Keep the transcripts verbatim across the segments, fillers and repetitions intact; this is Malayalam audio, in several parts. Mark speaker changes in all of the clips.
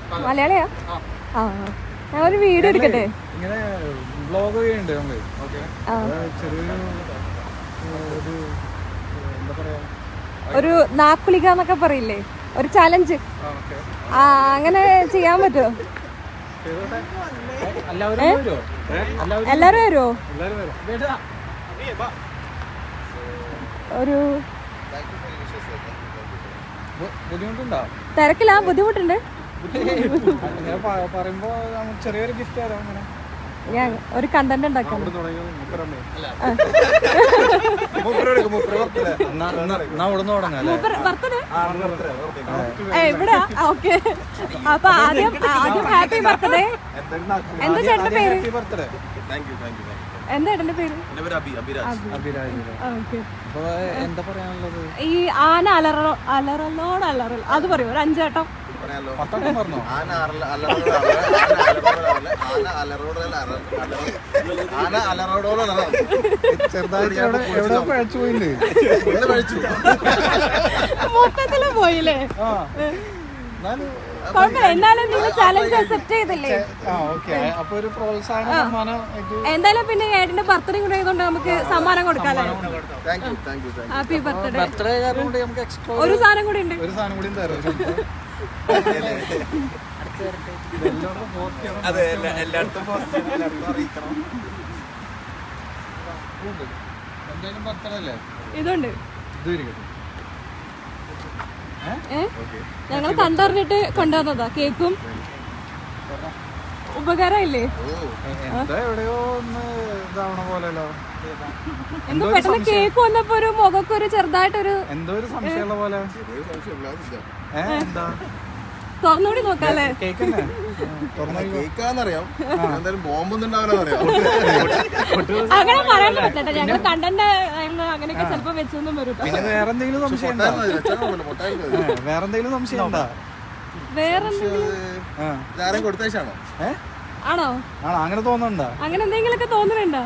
Speaker 1: മലയാളിയാ? ആ ഞാൻ ഒരു വീഡിയോ എടുക്കട്ടെ.
Speaker 2: ഇങ്ങനെ വ്ലോഗ് ചെയ്യുന്നുണ്ട് നമ്മള്. ചെറിയൊരു ഒരു എന്താ പറയാ,
Speaker 1: ഒരു നാക്കുളിക എന്നൊക്കെ പറയില്ലേ, ഒരു ചലഞ്ച്. ആ അങ്ങനെ ചെയ്യാൻ പറ്റുമോ? എല്ലാരും വരുമോ? ഒരു
Speaker 2: ബുദ്ധിമുട്ടുണ്ടോ?
Speaker 1: തിരക്കില്ല, ബുദ്ധിമുട്ടുണ്ട്.
Speaker 2: പറയുമ്പോ ചെറിയൊരു ഗിഫ്റ്റ് തരാം. അങ്ങനെ
Speaker 1: ഞാൻ ഒരു കണ്ടന്റ് ഉണ്ടാക്കാം. എവിടാ? ഓക്കെ, അപ്പൊ ആദ്യം ആദ്യം ഹാപ്പി ബർത്ത്ഡേ. എന്താ ചേട്ടന്റെ പേര്? എന്താ ഏട്ടന്റെ പേര്?
Speaker 2: എന്താ പറയാനുള്ളത്?
Speaker 1: ഈ ആന അലറോ അലറലോട് അലറൽ അത് പറയൂ ഒരു അഞ്ചേട്ടം. മൊത്തത്തില് പോയില്ലേ? എന്നാലും നിങ്ങൾ ചലഞ്ച് അക്സെപ്റ്റ് ചെയ്തില്ലേ? എന്തായാലും പിന്നെ ഏട്ടന്റെ ബർത്ത്ഡേ കൂടെ ആയതുകൊണ്ട് നമുക്ക് സമ്മാനം കൊടുക്കാല്ലേ? Happy birthday. ഒരു സാധനം കൂടി ഉണ്ട്.
Speaker 2: ഒരു സാധനം കൂടി തരാം.
Speaker 3: അതെ, എല്ലായിടത്തും അറിയിക്കണം.
Speaker 1: ഇതുണ്ട്. ഞങ്ങൾ കണ്ടറിഞ്ഞിട്ട് കൊണ്ടുവന്നതാ. കേക്കും ഉപകാരമില്ലേ?
Speaker 2: എവിടെയോ ഒന്ന് ഇതാവണ പോലെല്ലോ.
Speaker 1: എന്തോ പെട്ടെന്ന് കേക്ക് വന്നപ്പോ ഒരു മുഖക്ക് ഒരു ചെറുതായിട്ടൊരു
Speaker 2: എന്തോ ഒരു സംശയമുള്ള പോലെ.
Speaker 1: തുറന്നുകൂടി നോക്കാല്ലേ?
Speaker 3: കേക്കാന്നറിയാം, എന്തായാലും ബോംബൊന്നും അറിയാം.
Speaker 1: അങ്ങനെ പറയാൻ പറ്റില്ല. ഞങ്ങൾ കണ്ടന്റ് അങ്ങനെയൊക്കെ ചിലപ്പോ വെച്ചൊന്നും വരും.
Speaker 2: പിന്നെ വേറെന്തെങ്കിലും സംശയം വേറെന്തെങ്കിലും സംശയം ഉണ്ടോ?
Speaker 1: വേറെ
Speaker 3: കൊടുത്തേച്ചാണോ?
Speaker 1: ആണോ?
Speaker 2: ആണോ? അങ്ങനെ തോന്നുന്നുണ്ടോ?
Speaker 1: അങ്ങനെ എന്തെങ്കിലുമൊക്കെ തോന്നുന്നുണ്ടോ?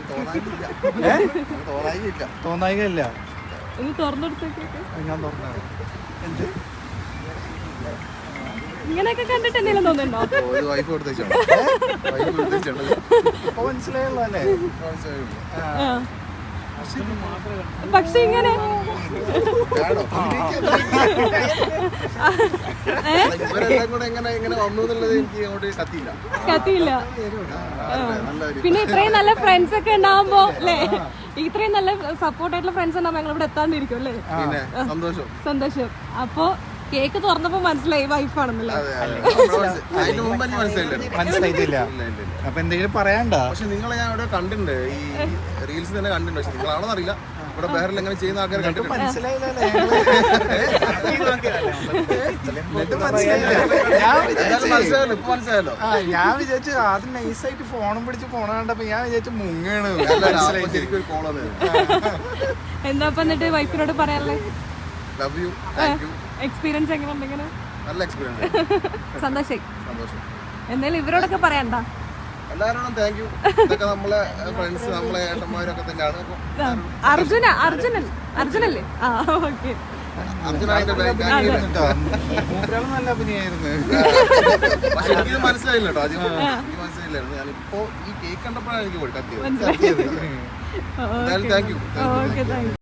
Speaker 2: തോന്നായില്ല.
Speaker 1: ഒന്ന് തുറന്നെടുത്തേക്ക്.
Speaker 2: ഞാൻ തുറന്ന
Speaker 1: ഇങ്ങനെയൊക്കെ കണ്ടിട്ട് എന്തെങ്കിലും തോന്നുന്നുണ്ടോ?
Speaker 2: മനസ്സിലായല്ലോ അല്ലേ?
Speaker 1: പക്ഷെ ഇങ്ങനെ കത്തിയില്ല. പിന്നെ ഇത്രയും നല്ല ഫ്രണ്ട്സ് ഒക്കെ ഉണ്ടാവുമ്പോ അല്ലേ, ഇത്രയും നല്ല സപ്പോർട്ട് ആയിട്ടുള്ള ഫ്രണ്ട്സ് ഉണ്ടാവുമ്പോ ഞങ്ങൾ ഇവിടെ എത്താണ്ടിരിക്കും അല്ലേ? സന്തോഷം. അപ്പൊ കേക്ക് തുറന്നപ്പോ മനസ്സിലായി വൈഫാണെന്നല്ലേ?
Speaker 2: മനസ്സിലായിട്ടില്ല. അപ്പൊ എന്തെങ്കിലും പറയാണ്ട?
Speaker 3: പക്ഷെ നിങ്ങളെ ഞാൻ ഇവിടെ കണ്ടിട്ടുണ്ട്, ഈ റീൽസ് തന്നെ കണ്ടിട്ടുണ്ട്. പക്ഷെ നിങ്ങളാണെന്ന് അറിയില്ല, ഇവിടെ ബഹറിൽ എങ്ങനെ ചെയ്യുന്ന ആൾക്കാർ കണ്ടിട്ടുണ്ട്. മനസ്സിലായല്ലോ, ഇപ്പൊ മനസ്സിലായല്ലോ.
Speaker 2: ഞാൻ വിചാരിച്ചു ആദ്യം നൈസായിട്ട് ഫോണും പിടിച്ച് പോണ കണ്ടപ്പോ ഞാൻ വിചാരിച്ചു മുങ്ങാണ്.
Speaker 3: ശരിക്കും ഒരു കോള്
Speaker 1: എന്താ എന്നിട്ട് വൈഫിനോട് പറയാനുള്ളത്?
Speaker 3: Love you, thank you.
Speaker 1: Experience എങ്ങനെ ഉണ്ടെങ്കിലും
Speaker 3: നല്ല എക്സ്പീരിയൻസ്.
Speaker 1: സന്തോഷായി.
Speaker 3: സന്തോഷം.
Speaker 1: എന്തായാലും ഇവരോടൊക്കെ പറയണ്ട.
Speaker 3: എല്ലാവരോടും താങ്ക് യു. ഇതൊക്കെ നമ്മളെ ഫ്രണ്ട്സ്, നമ്മളെ ഏട്ടന്മാരൊക്കെ തന്നെയാണ്.
Speaker 1: അർജുന അർജുനൻ അർജുനല്ലേ? ആ ഓക്കെ.
Speaker 3: അർജുന
Speaker 2: നല്ല അഭിനയായിരുന്നു.
Speaker 3: പക്ഷെ എനിക്കിത് മനസ്സിലായില്ല കേട്ടോ, ആദ്യം എനിക്ക് മനസ്സിലായില്ലായിരുന്നു. ഞാനിപ്പോ ഈ കേക്ക് കണ്ടപ്പോഴാണ് എനിക്ക് പോയി കത്തിയത്. എന്തായാലും താങ്ക് യു.